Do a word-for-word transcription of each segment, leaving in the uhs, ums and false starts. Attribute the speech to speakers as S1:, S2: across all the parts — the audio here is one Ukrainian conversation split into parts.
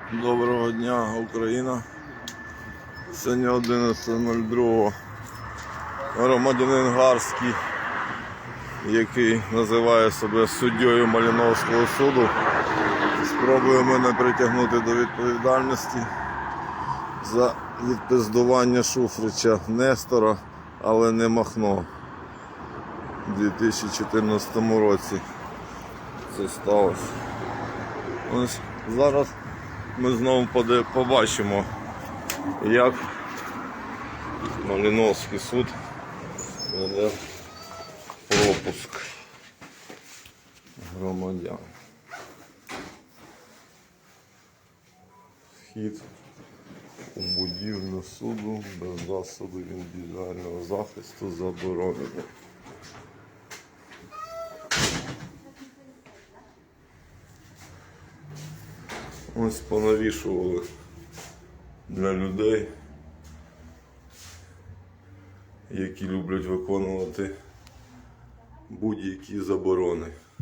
S1: Доброго дня, Україна. Сьогодні одинадцяте нуль два. Громадянин Гарський, який називає себе суддєю Малиновського суду, спробує мене притягнути до відповідальності за відпиздування Шуфрича Нестора, але не Махно. У дві тисячі чотирнадцятому році це сталося. Ось зараз ми знову побачимо, як Малиновський суд веде пропуск громадян. Вхід у будівлю суду без засобів індивідуального захисту заборонений. Ось понавішували для людей, які люблять виконувати будь-які заборони.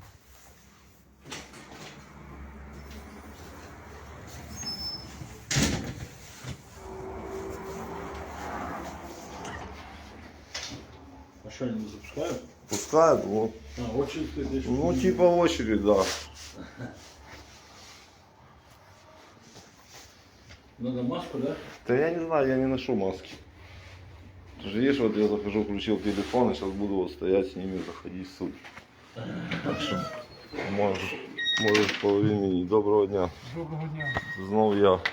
S2: А что, они не запускают?
S1: Пускают, вот.
S2: А, очередь ты здесь?
S1: Ну, типа очередь, да.
S2: Надо маску, да?
S1: Да я не знаю, я не ношу маски. Ты же видишь, вот я захожу, включил телефон, и сейчас буду вот стоять с ними, заходить в суд. Так что можешь, можешь половині. Доброго дня.
S3: Доброго дня.
S1: Знов я.
S3: Добре,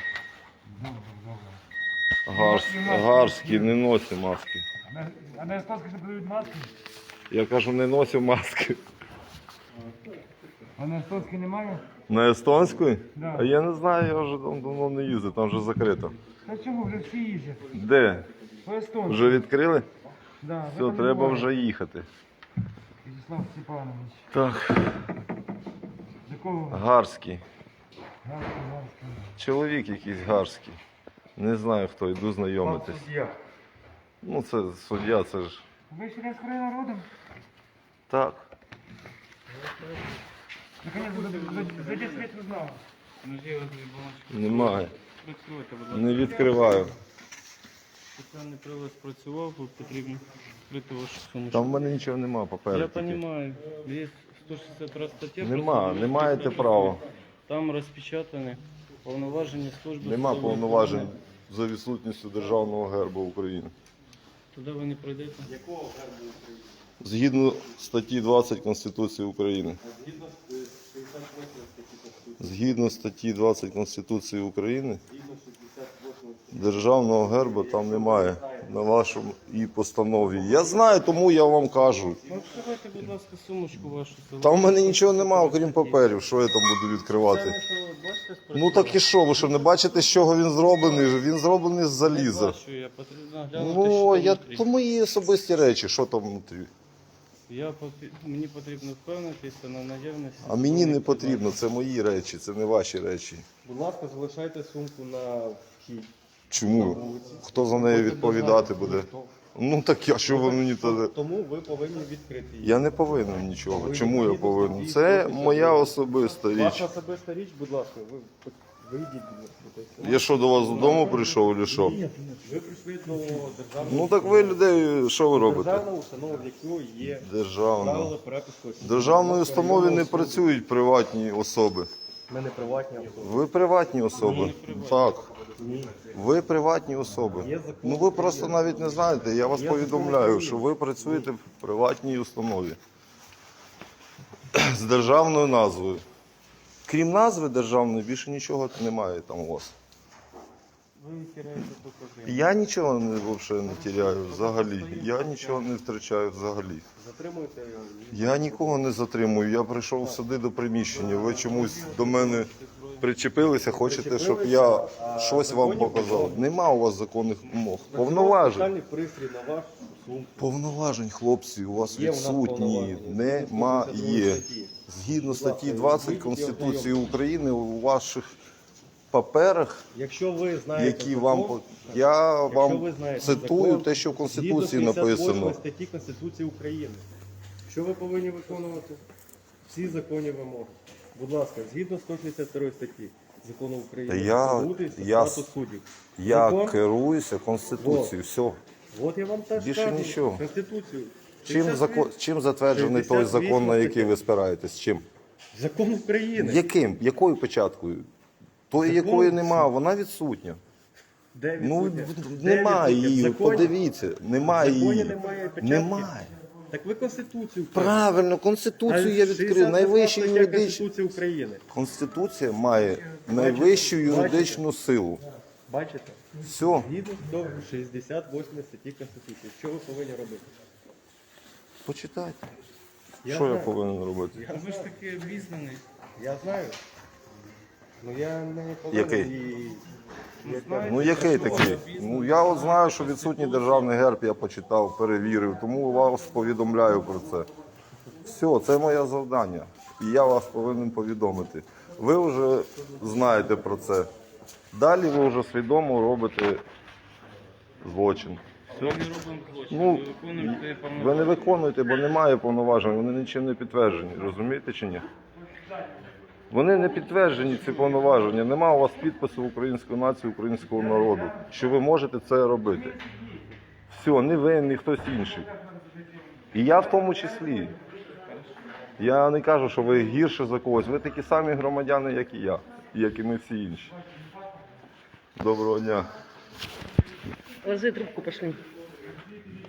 S3: добре.
S1: Гарс, Гарський, не носить маски.
S3: А на- А на Естонській не продають маски?
S1: Я кажу, не носив маски.
S3: А на Естонській немає?
S1: На естонську?
S3: Да.
S1: А я не знаю, я вже там давно не їздив, там вже закрито.
S3: Та чому, вже всі їздять?
S1: Де?
S3: По Естонській.
S1: Вже відкрили?
S3: Да, в
S1: Все,
S3: этом
S1: треба
S3: немає.
S1: вже їхати.
S3: Вячеслав Степанович.
S1: Так,
S3: До кого?
S1: Гарський.
S3: Гарський, Гарський.
S1: Чоловік якийсь Гарський. Не знаю хто, йду знайомитись. Ну це суддя, це ж.
S3: Ви ще раз край народом?
S1: Так.
S3: Наконец, за десять лет узнал.
S1: Немає.
S4: Відкривайте, будь ласка.
S1: Не відкриваю.
S4: Спеціальний прилад спрацював, бо потрібно відкрити вашу сумочку.
S1: Там в мене нічого немає
S4: Я
S1: попереду.
S4: розумію, є сто шістдесят друга стаття.
S1: Нема,
S4: просто
S1: не маєте права.
S4: Там розпечатані повноваження служби.
S1: Нема
S4: судової
S1: повноважень
S4: охорони.
S1: за відсутністю державного герба України.
S4: Туди ви не пройдете.
S1: Згідно статті двадцять Конституції України. Згідно статті двадцять Конституції України, державного герба там немає на вашому і постанові. Я знаю, тому я вам кажу.
S4: Ну, відкривайте, будь ласка, сумочку вашу.
S1: Там в мене нічого немає, окрім паперів. Що я там буду
S4: Це
S1: відкривати?
S4: не то, бачите, спрацював?
S1: Ну так і що, ви що, не бачите, з чого він зроблений? Він зроблений з заліза.
S4: Бачу, я потрібно глянути,
S1: Ну,
S4: що
S1: я,
S4: внутрі.
S1: то мої особисті речі, що там внутрі.
S4: Я, попі- мені потрібно впевнитися на наявність.
S1: А мені не
S4: службових
S1: потрібно, це мої речі, це не ваші речі.
S5: Будь ласка, залишайте сумку на вхід.
S1: Чому? Хто за неї відповідати буде? Ну так я, що ви мені тоді?
S5: Тому ви повинні відкрити її.
S1: Я не повинен нічого. Чому я повинен? Це моя особиста річ.
S5: Ваша особиста річ, будь ласка, ви вийдіть, будь ласка.
S1: Я що, до вас додому прийшов, чи що?
S5: Ви прийшли до державної
S1: Ну так ви людей, що ви робите?
S5: державної установи, в якої є
S1: Державно.
S5: правила перепуску. осіб.
S1: В державної
S5: Будь ласка,
S1: установі не
S5: районного суду.
S1: працюють приватні особи.
S5: Ми не приватні особи.
S1: Ви приватні особи. Так.
S5: Ні.
S1: Ви приватні особи.
S5: Є закон.
S1: Ну ви просто навіть не знаєте. Я вас
S5: Є
S1: повідомляю,
S5: закон
S1: що ви працюєте в приватній установі з державною назвою. Крім назви державної, більше нічого немає там у вас.
S4: Ви теряєте докази.
S1: Я нічого не, взагалі не тіряю взагалі. Я нічого не втрачаю взагалі.
S5: Затримуйте.
S1: Я нікого не затримую. Я прийшов сюди до приміщення. Ви чомусь до мене причепилися, хочете, щоб я щось вам показав. Нема у вас законних вимог. Повноважень.
S5: Спеціальний пристрій на вашу сумку.
S1: Повноважень, хлопці, у вас
S5: Є у нас
S1: відсутні.
S5: повноваження.
S1: Немає. Згідно статті двадцять Конституції України у ваших паперах,
S5: Якщо ви знаєте
S1: які
S5: закон,
S1: вам по- я
S5: якщо
S1: вам
S5: ви знаєте
S1: цитую
S5: закон,
S1: те, що в Конституції
S5: згідно п'ятдесят восьмої
S1: написано.
S5: статті Конституції України. Що ви повинні виконувати? Всі законні вимоги. Будь ласка, згідно сто шістдесят другої статті, закону України.
S1: Та я-
S5: Продовжується
S1: я-
S5: статус суддів.
S1: Я
S5: Закон?
S1: керуюся Конституцією. Все.
S5: От я вам теж
S1: Більше
S5: кажу.
S1: нічого.
S5: Конституцію.
S1: Чим, закон, чим затверджений той
S5: шістдесят
S1: закон, на
S5: вісім
S1: який ви спираєтесь? Чим?
S5: Закон України.
S1: Яким? Якою печаткою? Тої,
S5: Закон?
S1: якої немає, вона відсутня.
S5: Де
S1: Ну,
S5: відсутня?
S1: в-
S5: Де
S1: немає
S5: відсутня? В
S1: її,
S5: законі?
S1: подивіться, немає
S5: В законі
S1: її.
S5: немає печатки?
S1: Немає.
S5: Так ви Конституцію.
S1: Правильно, Конституцію я відкрив. Найвищий юридичний.
S5: Конституції України.
S1: Конституція має найвищу юридичну силу.
S5: Бачите?
S1: Все.
S5: Згідно до шістдесят восьмої статті Конституції. Що ви повинні робити?
S1: Почитайте.
S5: Я
S1: Що я
S5: знаю.
S1: повинен робити?
S4: Ви ж таки обізнаний.
S5: Я знаю. Ну я не повинен
S1: Який?
S5: її...
S1: Ну який такий? Ну я от знаю, що відсутній державний герб, я почитав, перевірив, тому вас повідомляю про це. Все, це моє завдання. І я вас повинен повідомити. Ви вже знаєте про це. Далі ви вже свідомо робите злочин.
S4: Ми не робимо злочин,
S1: Ну,
S4: ми виконуємо те
S1: ви не
S4: повноваження.
S1: виконуєте, бо немає повноважень, вони нічим не підтверджені, розумієте чи ні? Вони не підтверджені, ці повноваження. Нема у вас підпису української нації, українського народу, що ви можете це робити. Все, не ви, ні хтось інший. І я в тому числі. Я не кажу, що ви гірше за когось. Ви такі самі громадяни, як і я, і як і ми всі інші. Доброго дня.
S6: Ложи трубку, пошли.